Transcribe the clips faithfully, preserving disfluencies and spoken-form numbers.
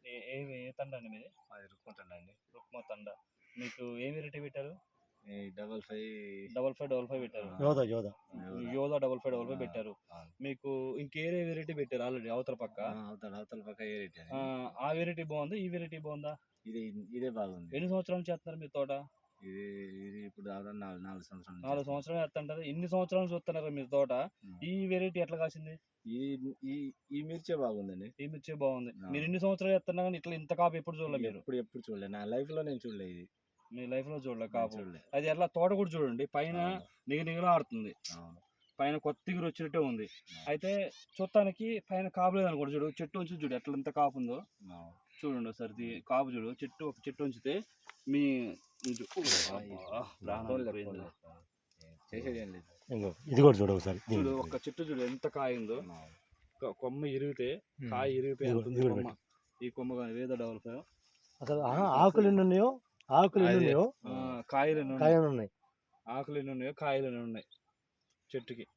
ఏ ఏ ఏ తండ అండి మీది? అది రుక్కుంటుండండి. రుక్మ తండ. మీకు ఏ వెరైటీ పెట్టారు? ఈ double five double five double five పెట్టారు. యోధ యోధ యోధా డబల్ ఫైవ్ డబల్ ఫైవ్ ఆ, పెట్టారు. ఆ. మీకు ఇంకేరే వెరైటీ పెట్టారు ఆల్రెడీ అవతల పక్క. ఆ, అవతల అవతల పక్క ఏ రేట్ ఆ, ఆ వెరైటీ బాగుందా, ఈ వెరైటీ బాగుందా? ఇది ఇదే బాగుంది. ఎన్ని సంవత్సరాలు చేస్తున్నారు మీ తోట? ఇది ఇది ఇప్పుడు దాదాపు నాలుగు నాలుగు సంవత్సరాలు నాలుగు సంవత్సరాలు చేస్తుంటారు. ఇన్ని సంవత్సరాలు చూస్తున్నారు మీ తోట. ఈ వెరైటీ ఎట్లా కాసింది? ఇది ఈ ఈ మిర్చే బాగుందండి. ఈ మిర్చి బాగుంది. ఆ. మీరు ఇన్ని సంవత్సరాలు చేస్తున్నా కానీ ఇట్లా ఇంత కాపు ఎప్పుడు చూడలేదు మీరు? ఎప్పుడు ఎప్పుడు చూడలేదు నా లైఫ్ లో, నేను చూడలేదు ఇది. మీ లైఫ్ లో చూడలేదు కాపు. చూడలేదు. అది ఎట్లా తోట కూడా చూడండి, పైన నిగ నిగలాడుతుంది, అవును. పైన కొత్త తిగురు వచ్చినట్టే ఉంది. అయితే చూడటానికి పైన కాపు లేదు అనుకోండి, చూడు చెట్టు ఉంచి చూడు ఎట్లా ఎంత కాపు ఉందో అవును. చూడండి ఒకసారి. ఇది కాపు చూడు, చెట్టు ఒక చెట్టు ఉంచితే మీ ఇది- అబ్బా, ప్రాణాలు పోయింది. చేసేది ఏం లేదు. ఇంకో ఇది కూడా చూడు ఒకసారి. చూడు ఒక్క చెట్టు చూడు ఎంత కాయ ఉందో. అవును. కొ- కొమ్మ ఇరిగితే కాయ ఇరిగిపోయి ఇదిగో, ఎంత ఉంది ఇదిగో కొమ్మ. ఈ కొమ్మ కానీ వేద డబల్ ఫైవ్. అసలు ఆ, ఆకులు ఎన్ని ఉన్నాయో ఆకులు ఎన్ని ఉన్నాయో ఆ, కాయలు ఎన్ని ఉన్నాయి? కాయలు ఉన్నాయి. ఆకులు ఎన్ని ఉన్నాయో కాయలు ఎన్ని ఉన్నాయి చెట్టుకి.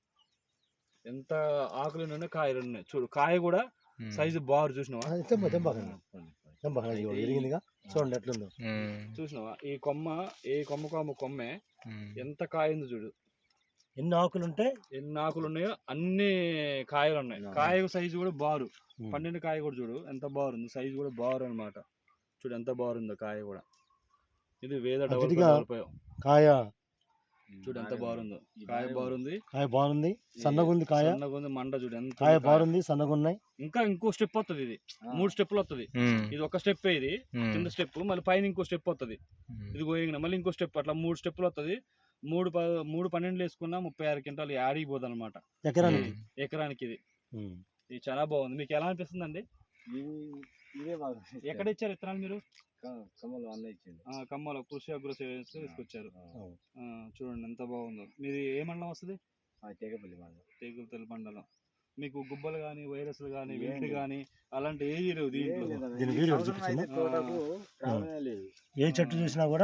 ఎంత ఆకులు ఎన్ని ఉన్నాయి, కాయలు ఎన్ని ఉన్నాయి చూడు. కాయ కూడా సైజు బారు చూసినావా? ఆ, తెంప తెంపకండి తెంపకండి ఇదిగో ఎరిగిందిగా, చూడండి ఎట్లుందో. చూసినావా? ఈ కొమ్మ ఏ కొమ్మ కొమ్మ కొమ్మే ఎంత కాయ ఉంది చూడు. ఎన్ని ఆకులు ఉంటే ఎన్ని ఆకులు ఉన్నాయో అన్ని కాయలు ఉన్నాయి. కాయ సైజు కూడా బారు. ఉమ్. పండిన కాయ కూడా చూడు ఎంత బారుంది, సైజు కూడా బారు అన్నమాట. చూడు ఎంత బారుందో కాయ కూడా. ఇది వేద డబల్ అదిగా ఫైవ్. కాయ చూడు ఎంత బారుందో. కాయ బారుంది, కాయ బాగుంది, సన్నగా ఉంది కాయ. సన్నగా ఉంది, మండ చూడు ఎంత కాయ ఉంది కాయ. బాగుంది, సన్నగా ఉన్నాయి. ఇంకా ఇంకో స్టెప్ వస్తుంది. ఇది మూడు స్టెప్లు వస్తుంది. ఇది ఒక స్టెప్, ఇది కింద స్టెప్, మళ్ళీ పైన ఇంకో స్టెప్ వస్తుంది. ఇది గోయింగ్ మళ్ళీ ఇంకో స్టెప్, అట్లా మూడు స్టెప్లు వస్తుంది. మూడు ప మూడు పన్నెండులు వేసుకున్నా ముప్పై ఆరు క్వింటాలు యాడికి పోదు అనమాట ఎకరానికి. ఎకరానికి. ఇది ఉమ్. ఇది చాలా బాగుంది. మీకు ఎలా అనిపిస్తుంది అండి? ఇది ఇదే బాగుంది. ఎక్కడ ఇచ్చారు విత్తనాలు మీరు? కమ్మలు అన్న ఇచ్చింది. ఆ, కమ్మలో కృషి అగ్రో సేవన్స్ తీసుకొచ్చారు. అవును. ఆ, చూడండి ఎంత బాగుందో. మీది ఏ మండలం వస్తుంది? తేగపల్లి మండలం. తేగులతల్లి మండలం. మీకు గుబ్బలు కానీ వైరస్లు కానీ వెంటి కానీ అలాంటి ఏది లేవు దీంట్లో. దీని వీడియో సంవత్సరం అయితే చూపించండి. తోటకు రావడమే లేదు. ఏ చెట్టు చూసినా కూడా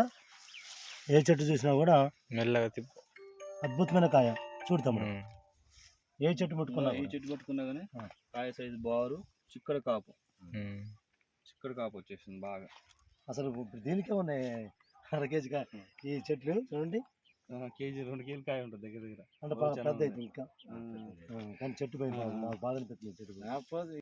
ఏ చెట్టు చూసినా కూడా మెల్లగా తిప్పు. అద్భుతమైన కాయ. చూడు తమ్ముడు, ఉమ్. ఏ చెట్టు పట్టుకున్నా ఈ కూడా. చెట్టు పట్టుకున్నా కానీ ఆ. కాయ సైజు బారు, చిక్కడ కాపు. ఉమ్. చిక్కడ కాపు వచ్చేసింది బాగా. అసలు ఇప్పుడు దీనికే ఉన్నాయి అర కేజీ కాయ. ఈ చెట్లు చూడండి, ఆ, కేజీ రెండు కేజీలు కాయ ఉంటుంది దగ్గర దగ్గర. అంటే చాలా పెద్ద ఉన్నాయి. అయితే ఇంకా. ఆ. ఆ, కానీ చెట్టు పైన నాకు బాధ అనిపిస్తుంది చెట్టు పైన. కాకపోతే